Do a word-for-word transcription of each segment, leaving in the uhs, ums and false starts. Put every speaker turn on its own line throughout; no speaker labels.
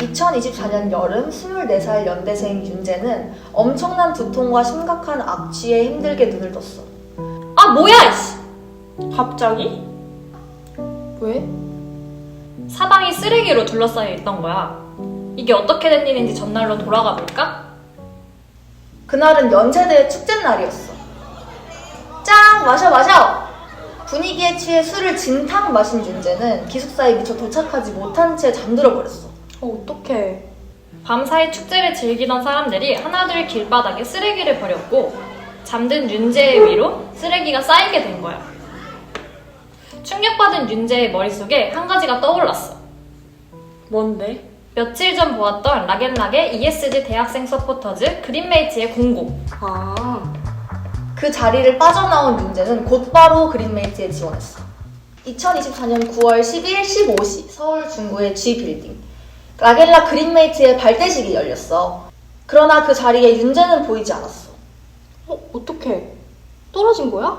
이천이십사 년 여름 스물네 살 연대생 윤재는 엄청난 두통과 심각한 악취에 힘들게 눈을 떴어.
아 뭐야 이씨!
갑자기? 왜?
사방이 쓰레기로 둘러싸여 있던 거야. 이게 어떻게 된 일인지 전날로 돌아가 볼까?
그날은 연세대의 축제날이었어. 짱! 마셔 마셔! 분위기에 취해 술을 진탕 마신 윤재는 기숙사에 미처 도착하지 못한 채 잠들어 버렸어.
어, 어떡해.
밤사이 축제를 즐기던 사람들이 하나둘 길바닥에 쓰레기를 버렸고 잠든 윤재의 위로 쓰레기가 쌓이게 된 거야. 충격받은 윤재의 머릿속에 한 가지가 떠올랐어.
뭔데?
며칠 전 보았던 락앤락의 이에스지 대학생 서포터즈 그린메이트의 공고.
아,
그 자리를 빠져나온 윤재는 곧바로 그린메이트에 지원했어. 이천이십사 년 구월 십일 십오 시 서울 중구의 G 빌딩. 락앤락 그린메이트의 발대식이 열렸어. 그러나 그 자리에 윤재는 보이지 않았어.
어, 어떡해. 떨어진 거야?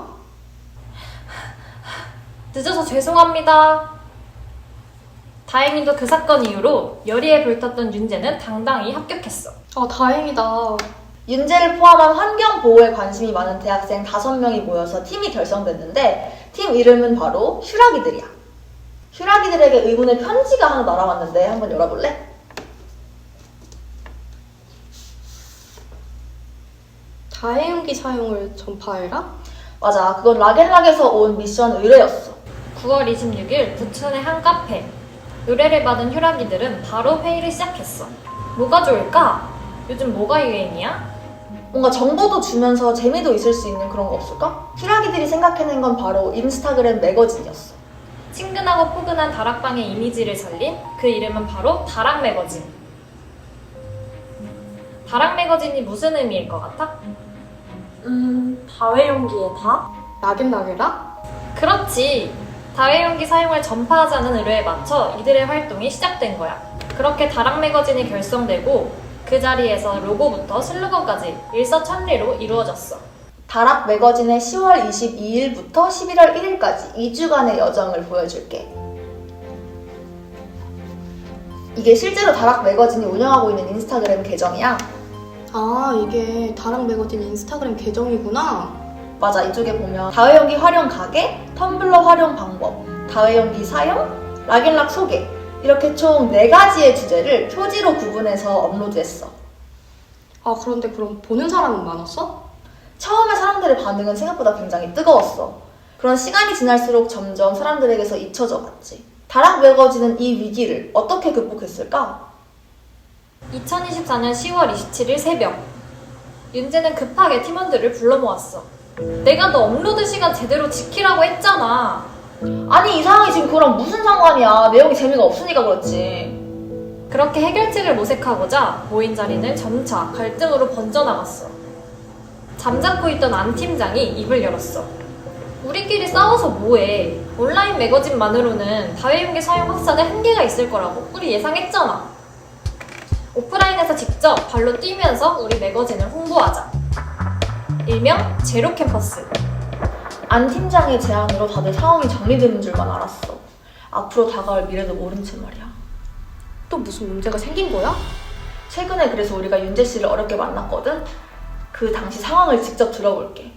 늦어서 죄송합니다. 다행히도 그 사건 이후로 열의에 불탔던 윤재는 당당히 합격했어.
아, 다행이다.
윤재를 포함한 환경 보호에 관심이 많은 대학생 다섯 명이 모여서 팀이 결성됐는데 팀 이름은 바로 휴라기들이야. 휴라기들에게 의문의 편지가 하나 날아왔는데 한번 열어볼래?
다해용기 사용을 전파해라?
맞아, 그건 락앤락에서 온 미션 의뢰였어.
구월 이십육일 부천의 한 카페. 의뢰를 받은 휴라기들은 바로 회의를 시작했어. 뭐가 좋을까? 요즘 뭐가 유행이야?
뭔가 정보도 주면서 재미도 있을 수 있는 그런 거 없을까? 휴라기들이 생각해낸 건 바로 인스타그램 매거진이었어.
친근하고 포근한 다락방의 이미지를 살린 그 이름은 바로 다락 매거진. 다락 매거진이 무슨 의미일 것 같아?
음, 다회용기에 다? 락앤락이라?
그렇지. 다회용기 사용을 전파하자는 의뢰에 맞춰 이들의 활동이 시작된 거야. 그렇게 다락 매거진이 결성되고 그 자리에서 로고부터 슬로건까지 일사천리로 이루어졌어.
다락 매거진의 시월 이십이일부터 십일월 일일까지 이 주간의 여정을 보여줄게. 이게 실제로 다락 매거진이 운영하고 있는 인스타그램 계정이야.
아, 이게 다락 매거진 인스타그램 계정이구나.
맞아, 이쪽에 보면 다회용기 활용 가게, 텀블러 활용 방법, 다회용기 사용, 락앤락 소개 이렇게 총 네 가지의 주제를 표지로 구분해서 업로드했어.
아, 그런데 그럼 보는 사람은 많았어?
처음에 사람들의 반응은 생각보다 굉장히 뜨거웠어. 그런 시간이 지날수록 점점 사람들에게서 잊혀져 갔지. 다락 매거진은 이 위기를 어떻게 극복했을까?
이천이십사 년 시월 이십칠일 새벽. 윤재는 급하게 팀원들을 불러 모았어. 내가 너 업로드 시간 제대로 지키라고 했잖아.
아니, 이 상황이 지금 그거랑 무슨 상관이야. 내용이 재미가 없으니까 그렇지.
그렇게 해결책을 모색하고자 모인 자리는 점차 갈등으로 번져나갔어. 잠자코 있던 안 팀장이 입을 열었어. 우리끼리 싸워서 뭐해. 온라인 매거진만으로는 다회용기 사용 확산에 한계가 있을 거라고 우리 예상했잖아. 오프라인에서 직접 발로 뛰면서 우리 매거진을 홍보하자. 일명 제로 캠퍼스.
안 팀장의 제안으로 다들 상황이 정리되는 줄만 알았어. 앞으로 다가올 미래도 모른 채 말이야.
또 무슨 문제가 생긴 거야?
최근에 그래서 우리가 윤재 씨를 어렵게 만났거든? 그 당시 상황을 직접 들어볼게.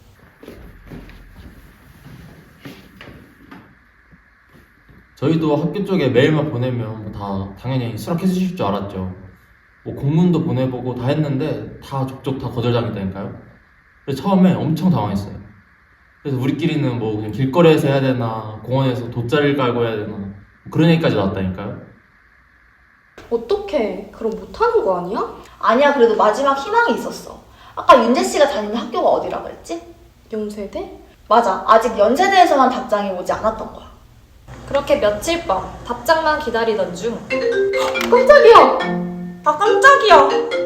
저희도 학교 쪽에 메일만 보내면 다 당연히 수락해 주실 줄 알았죠. 뭐 공문도 보내보고 다 했는데 다 족족 다 거절당했다니까요. 그래서 처음에 엄청 당황했어요. 그래서 우리끼리는 뭐 그냥 길거리에서 해야 되나 공원에서 돗자리를 깔고 해야 되나 그런 얘기까지 나왔다니까요.
어떡해. 그럼 못하는 거 아니야?
아니야, 그래도 마지막 희망이 있었어. 아까 윤재 씨가 다니는 학교가 어디라고 했지?
연세대?
맞아, 아직 연세대에서만 답장이 오지 않았던 거야.
그렇게 며칠 밤 답장만 기다리던 중
깜짝이야!
아, 깜짝이야.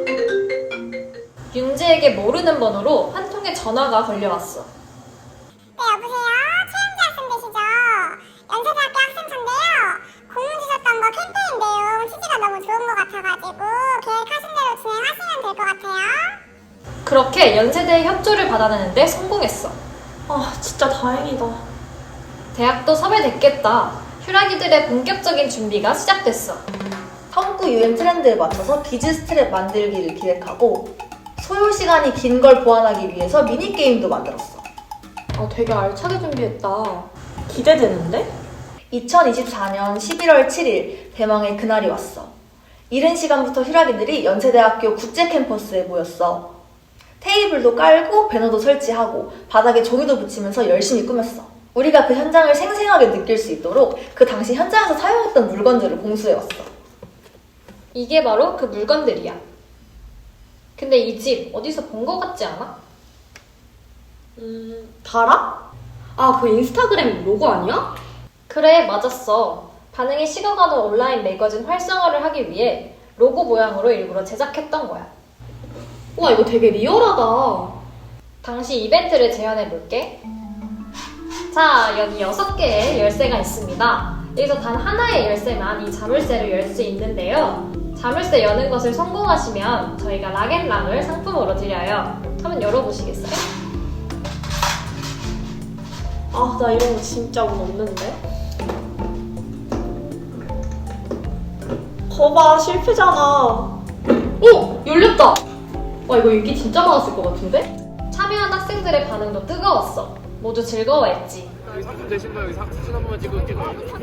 윤재에게 모르는 번호로 한 통의 전화가 걸려왔어.
네, 여보세요? 최영지 학생 되시죠? 연세대학교 학생인데요. 공문 주셨던 거 캠페인 내용 취지가 너무 좋은 것 같아가지고 계획하신 대로 진행하시면 될 것 같아요.
그렇게 연세대의 협조를 받아내는데 성공했어.
아, 진짜 다행이다.
대학도 섭외됐겠다. 휴라기들의 본격적인 준비가 시작됐어.
텀구 유행 트렌드에 맞춰서 비즈 스트랩 만들기를 기획하고 소요 시간이 긴 걸 보완하기 위해서 미니게임도 만들었어.
아, 되게 알차게 준비했다.
기대되는데?
이천이십사년 십일월 칠일 대망의 그날이 왔어. 이른 시간부터 휴라기들이 연세대학교 국제 캠퍼스에 모였어. 테이블도 깔고 배너도 설치하고 바닥에 종이도 붙이면서 열심히 꾸몄어. 우리가 그 현장을 생생하게 느낄 수 있도록 그 당시 현장에서 사용했던 물건들을 공수해왔어.
이게 바로 그 물건들이야. 근데 이 집 어디서 본 거 같지 않아?
음, 다락? 아, 그 인스타그램 로고 아니야?
그래, 맞았어. 반응이 식어가는 온라인 매거진 활성화를 하기 위해 로고 모양으로 일부러 제작했던 거야.
와, 이거 되게 리얼하다.
당시 이벤트를 재현해볼게. 자, 여기 여섯 개의 열쇠가 있습니다. 여기서 단 하나의 열쇠만 이 자물쇠를 열 수 있는데요. 자물쇠 여는 것을 성공하시면 저희가 락앤락을 상품으로 드려요. 한번 열어보시겠어요?
아, 나 이런 거 진짜 운 없는데? 거봐, 실패잖아.
어! 열렸다! 와, 이거 인기 진짜 많았을 것 같은데?
참여한 학생들의 반응도 뜨거웠어. 모두 즐거워했지.
상품 되신 거 여기 사- 사진 한 번만 찍을게요.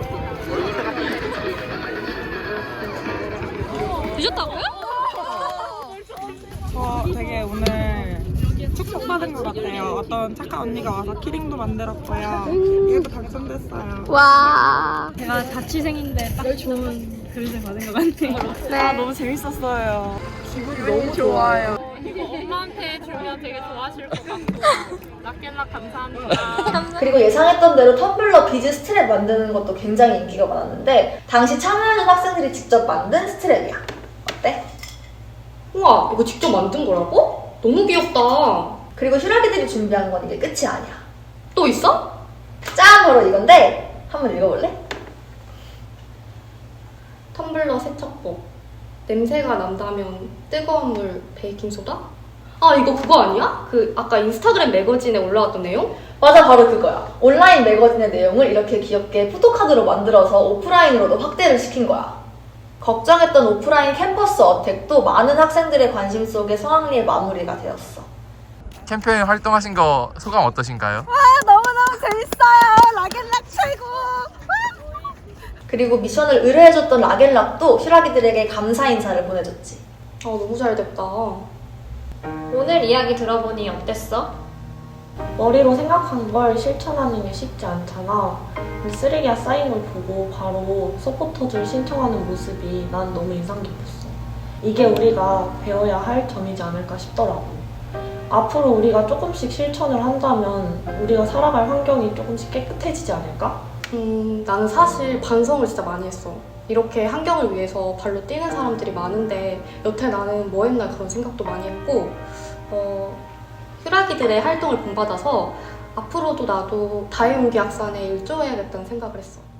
저 되게 오늘 축복받은 것 같아요. 어떤 착한 언니가 와서 키링도 만들었고요. 이것도 당첨됐어요.
제가 자취생인데 딱 좋은 그릇을 받은 것 같아요.
아, 너무 재밌었어요. 기분이 너무 좋아요.
엄마한테 주면 되게 좋아하실 것 같고 락앤락 감사합니다.
그리고 예상했던 대로 텀블러 비즈 스트랩 만드는 것도 굉장히 인기가 많았는데 당시 참여하는 학생들이 직접 만든 스트랩이야. 어때?
우와, 이거 직접 만든 거라고? 너무 귀엽다.
그리고 휴라기들이 준비한 건 이게 끝이 아니야.
또 있어?
짠! 바로 이건데 한번 읽어볼래?
텀블러 세척법. 냄새가 난다면 뜨거운 물, 베이킹소다? 아, 이거 그거 아니야? 그 아까 인스타그램 매거진에 올라왔던 내용?
맞아, 바로 그거야. 온라인 매거진의 내용을 이렇게 귀엽게 포토카드로 만들어서 오프라인으로도 확대를 시킨 거야. 걱정했던 오프라인 캠퍼스 어택도 많은 학생들의 관심 속에 성황리에 마무리가 되었어.
캠페인 활동하신 거 소감 어떠신가요?
너무너무 재밌어요. 락앤락 최고.
그리고 미션을 의뢰해줬던 락앤락도 휴라기들에게 감사 인사를 보내줬지.
아, 너무 잘 됐다.
오늘 이야기 들어보니 어땠어?
머리로 생각한 걸 실천하는 게 쉽지 않잖아. 근데 쓰레기가 쌓인 걸 보고 바로 서포터즈를 신청하는 모습이 난 너무 인상 깊었어. 이게 우리가 배워야 할 점이지 않을까 싶더라고. 앞으로 우리가 조금씩 실천을 한다면 우리가 살아갈 환경이 조금씩 깨끗해지지 않을까?
음, 나는 사실 반성을 진짜 많이 했어. 이렇게 환경을 위해서 발로 뛰는 사람들이 많은데 여태 나는 뭐 했나 그런 생각도 많이 했고 어, 휴라기들의 활동을 본받아서 앞으로도 나도 다해온기 학산에 일조해야겠다는 생각을 했어.